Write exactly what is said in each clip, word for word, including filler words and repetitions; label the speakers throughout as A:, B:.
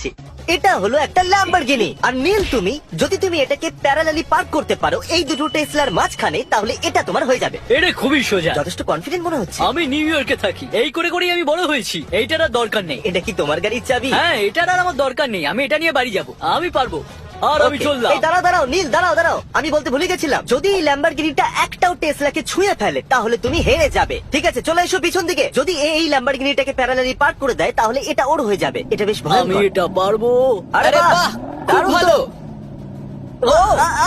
A: এটা হলো একটা ল্যাম্বরগিনি। আর নীল, তুমি যদি তুমি এটাকে প্যারালালি পার্ক করতে পারো এই দুটো টেসলার মাঝখানে, তাহলে এটা তোমার হয়ে যাবে।
B: এটা খুবই সোজা।
A: যথেষ্ট কনফিডেন্ট মনে হচ্ছে।
B: আমি নিউ ইয়র্কে থাকি, এই করে করেই আমি বড় হয়েছি। এইটার আর দরকার নেই।
A: এটা কি তোমার গাড়ির চাবি?
B: হ্যাঁ, এটার আর আমার দরকার নেই। আমি এটা নিয়ে বাড়ি যাব, আমি পারবো। আর আমি
A: Okay,
B: চললাম।
A: এই দাঁড়াও দাঁড়াও নীল, দাঁড়াও দাঁড়াও, আমি বলতে ভুলে গেছিলাম, যদি এই ল্যাম্বরগিনিটা একটাও টেসলাকে ছুঁয়ে ফেলে তাহলে তুমি হেরে যাবে। ঠিক আছে, চলে এসো পিছন দিকে। যদি এ এই ল্যাম্বরগিনিটাকে প্যারালালি পার্ক করে দেয় তাহলে এটা ওর হয়ে যাবে। এটা বেশ
B: আমি
A: ভয়ঙ্কর।
B: এটা পারবো।
A: আরে
C: আরে
A: বাহ,
C: বাহ, খুব
A: দারুণ তো।
C: ভালো।
A: ও, আ, আ।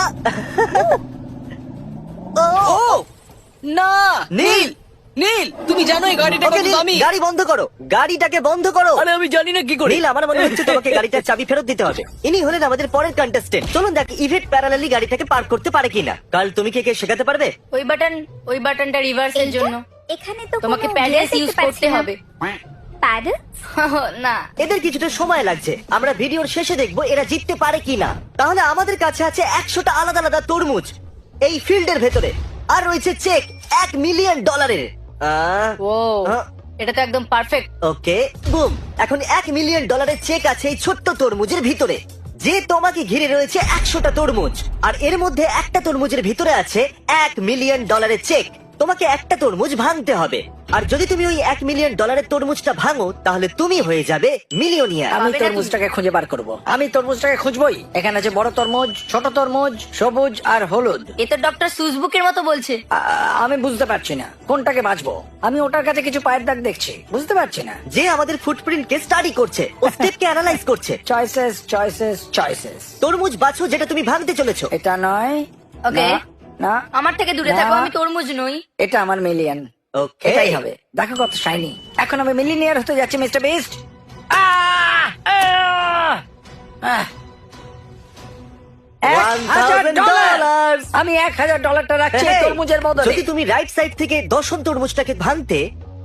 A: ও,
C: ও না
A: নীল!
C: নীল, তুমি জানো এই গাড়িটা
A: ওকে
C: কত
A: নীল,
C: দামি?
A: গাড়ি বন্ধ করো, গাড়িটাকে বন্ধ করো।
B: আরে আমি জানি না কি করে।
A: নীল, আমার মনে হচ্ছে তোমাকে গাড়িটার চাবি ফেরত দিতে হবে। ইনি হলেন আমাদের পরের কন্টেস্টেন্ট। চলুন দেখ ইভেট প্যারালালি গাড়িটাকে পার্ক করতে পারে কিনা। কাল তুমি কে কে শেখাতে পারবে?
D: ওই বাটন ওই বাটনটা রিভার্সের জন্য
E: এখানে তো
D: তোমাকে
E: কোনো
D: প্যাডেলস
E: gear
D: ইউজ
E: দেখতে পাচ্ছি
D: করতে
E: না।
D: হবে।
E: প্যাডেল?
D: না,
A: এদের কিছুটা সময় লাগছে, আমরা ভিডিওর শেষে দেখবো এরা জিততে পারে কিনা। তাহলে আমাদের কাছে আছে একশোটা আলাদা আলাদা তরমুজ এই ফিল্ডের ভেতরে, আর রয়েছে চেক এক মিলিয়ন ডলারের।
D: ও এটা তো একদম পারফেক্ট।
A: ওকে বুম, এখন এক মিলিয়ন ডলারের চেক আছে এই ছোট্ট তরমুজের ভিতরে, যে তোমাকে ঘিরে রয়েছে একশোটা তরমুজ। আর এর মধ্যে একটা তরমুজের ভিতরে আছে এক মিলিয়ন ডলারের চেক। তোমাকে একটা তরমুজ ভাঙতে হবে, আর যদি তুমি ওই এক মিলিয়ন ডলারের তরমুজটা ভাঙো তাহলে তুমি হয়ে যাবে মিলিয়নিয়ার।
F: আমি
D: পাবে না
F: তরমুজটাকে খুঁজে বার করব। আমি তরমুজটাকে খুঁজবই। এখানে আছে বড় তরমুজ, ছোট তরমুজ, সবুজ আর হলুদ।
D: এ তো ডক্টর সুজবুকের মতো বলছে।
F: আ- আমি বুঝতে পারছি না কোনটাকে বাঁচবো। আমি ওটার কাছে কিছু পায়ের দাগ দেখছি, বুঝতে পারছি না।
A: যে আমাদের ফুটপ্রিন্টকে স্টাডি করছে, ও স্টেপকে অ্যানালাইজ করছে।
F: Choices choices choices.
A: তরমুজ বাছো যেটা তুমি ভাঙতে চলেছো।
F: এটা নয়।
D: ওকে।
F: না, না
D: আমার থেকে দূরে
F: না।
D: থাকো, আমি তরমুজ নই।
F: এটা আমার মিলিয়ন।
A: ওকে,
F: এটাই হবে। দেখো কত শাইনি। এখন আমি মিলিয়নিয়ার হতে যাচ্ছি mister Beast.
A: one thousand dollars
F: আমি এক হাজার ডলারটা রাখছি এই
A: Hey,
F: তরমুজের বদলে।
A: যদি তুমি রাইট সাইড থেকে দশম তরমুজটাকে ভাঙতে,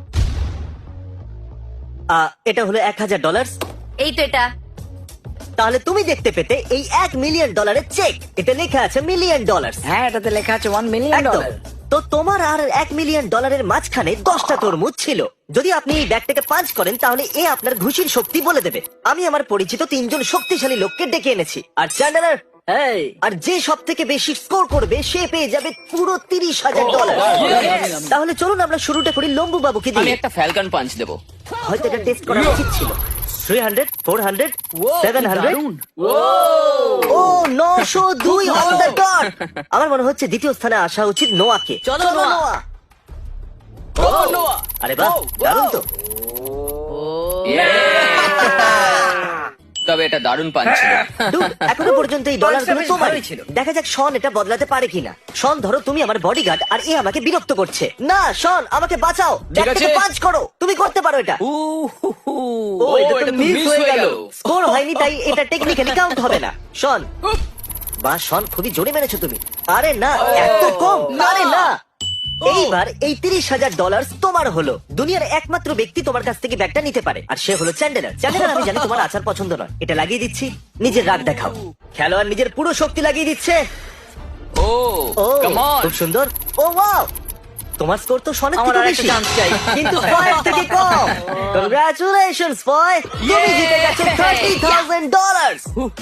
A: আহ, এটা হলো এক হাজার ডলার,
D: এই তো এটা।
A: তাহলে তুমি দেখতে পেতে এই এক মিলিয়ন ডলারের চেক। এটা লেখা আছে মিলিয়ন ডলার।
F: হ্যাঁ, এটাতে লেখা আছে ওয়ান মিলিয়ন
A: একদম।
F: ডলার।
A: তো তোমার আর এক মিলিয়ন ডলারের মাঝখানে দশটা তরমুজ ছিল। যদি আপনি এই ব্যাগটাকে পাঞ্চ করেন তাহলে এ আপনার ঘুষির শক্তি বলে দেবে। আমি আমার পরিচিত তিনজন শক্তিশালী লোককে ডেকে এনেছি, আর চ্যান্ডেলার
B: এই
A: আর যে সব থেকে বেশি স্কোর করবে সে পেয়ে যাবে পুরো তিরিশ হাজার ডলার। তাহলে চলুন আমরা শুরুটা করি লম্বু বাবুকে
C: আমি
A: দিয়ে।
C: একটা ফ্যালকন পাঞ্চ দেবো।
A: হয়তো এটা টেস্ট করা উচিত ছিল। Three hundred, four hundred, seven hundred. ও নশো দুই অন দ্য ডট। আমার মনে হচ্ছে দ্বিতীয় স্থানে আসা উচিত নোয়াকে।
B: চলো, নোয়া।
A: নোয়া। আরে বাহ, দারুণ তো।
C: তবে এটা দারুণ পাঞ্চ ছিল।
A: Dude, এখনো পর্যন্ত এই ডলারগুলো তোমারই ছিল। দেখা যাক শন এটা বদলাতে পারে কিনা। শন, ধরো তুমি আমার বডিগার্ড আর এ আমাকে বিরক্ত করছে। না শন, আমাকে বাঁচাও, ব্যাগটাকে
C: আছে।
A: পাঞ্চ করো। তুমি করতে পারো এটা।
C: উ হু হু।
A: ও, এটা তো
C: এটা তো
A: মিস
C: miss
A: হয়ে
C: হয়ে
A: গেল।
C: গেল।
A: স্কোর হয়নি, তাই এটা টেকনিক্যালি কাউন্ট হবে না। শন, বা শন খুবই জোরে মেরেছো তুমি। আরে না, এত কম। আরে না। এইবার এই তিরিশ হাজার ডলার তোমার হলো। দুনিয়ার একমাত্র ব্যক্তি তোমার কাছ থেকে ব্যাগটা নিতে পারে, আর সে হলো চ্যান্ডেলার। চ্যান্ডেলার, আমি জানি তোমার আচার পছন্দ নয়, এটা লাগিয়ে দিচ্ছি। নিজের রাগ দেখাও। খেলোয়াড় নিজের পুরো শক্তি লাগিয়ে দিচ্ছে।
C: Oh
A: oh
C: come on.
A: খুব সুন্দর। ও ওয়াও, তোমার স্কোর তো শনের
B: আমার
A: থেকে
B: আরেকটা
A: বেশি,
B: chance চাই।
A: কিন্তু ফয়ের থেকে কম। কংগ্রাচুলেশনস ফয়, তুমি জিতে গেছো থার্টি থাউজেন্ড ডলার।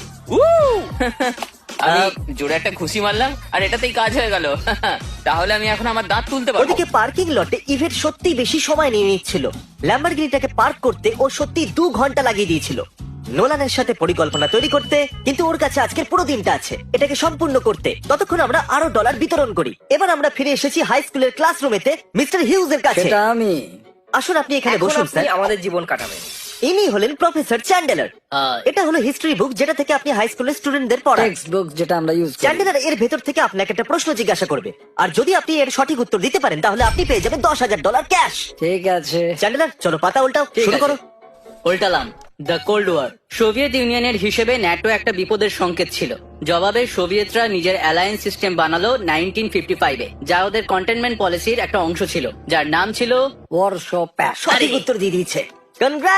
C: আমি জোরে একটা খুশি মারলাম আর এটাতেই কাজ হয়ে গেল। তাহলে আমি এখন আমার দাঁত তুলতে পারবো।
A: ওদিকে পার্কিং লটে ইভেট সত্যি বেশি সময় নিয়ে নিচ্ছিল। ল্যাম্বরগিনিটাকে পার্ক করতে ও সত্যি দু ঘন্টা লাগিয়ে দিয়েছিল নোলানের সাথে পরিকল্পনা তৈরি করতে, কিন্তু ওর কাছে আজকের পুরো দিনটা আছে এটাকে সম্পূর্ণ করতে। ততক্ষণ আমরা আরো ডলার বিতরণ করি। এবার আমরা ফিরে এসেছি হাই স্কুলের ক্লাসরুমেতে মিস্টার হিউজ এর কাছে।
F: সেটা আমি।
A: আসুন আপনি এখানে বসুন স্যার।
F: আমাদের জীবন কাটাবেন।
A: ইনি হলেন প্রফেসর চ্যান্ডেলার।
B: আহ,
A: এটা হলো হিস্ট্রি বুক যেটা থেকে আপনি হাই স্কুলের স্টুডেন্টদের পড়ান।
F: টেক্সট বুক যেটা আমরা ইউজ করি।
A: চ্যান্ডেলার এর ভেতর থেকে আপনাকে একটা প্রশ্ন জিজ্ঞাসা করবে, আর যদি আপনি এর সঠিক উত্তর দিতে পারেন তাহলে আপনি পেয়ে যাবেন দশ হাজার ডলার ক্যাশ।
F: ঠিক আছে।
A: চ্যান্ডেলার চলো পাতা উল্টাও,
B: ঠিক
A: শুরু
B: আছে।
A: করো।
B: উল্টালাম। The cold war. সোভিয়েত ইউনিয়নের হিসেবে ন্যাটো একটা বিপদের সংকেত ছিল। জবাবে সোভিয়েতরা নিজের অ্যালায়েন্স সিস্টেম বানালো নাইনটিন ফিফটি ফাইভে, যা ওদের কন্টেনমেন্ট পলিসির একটা অংশ ছিল, যার নাম ছিল
F: ওয়ারশো প্যাক্ট।
A: সঠিক
B: আরে।
A: উত্তর দিয়ে দিয়েছে। কনগ্রাট।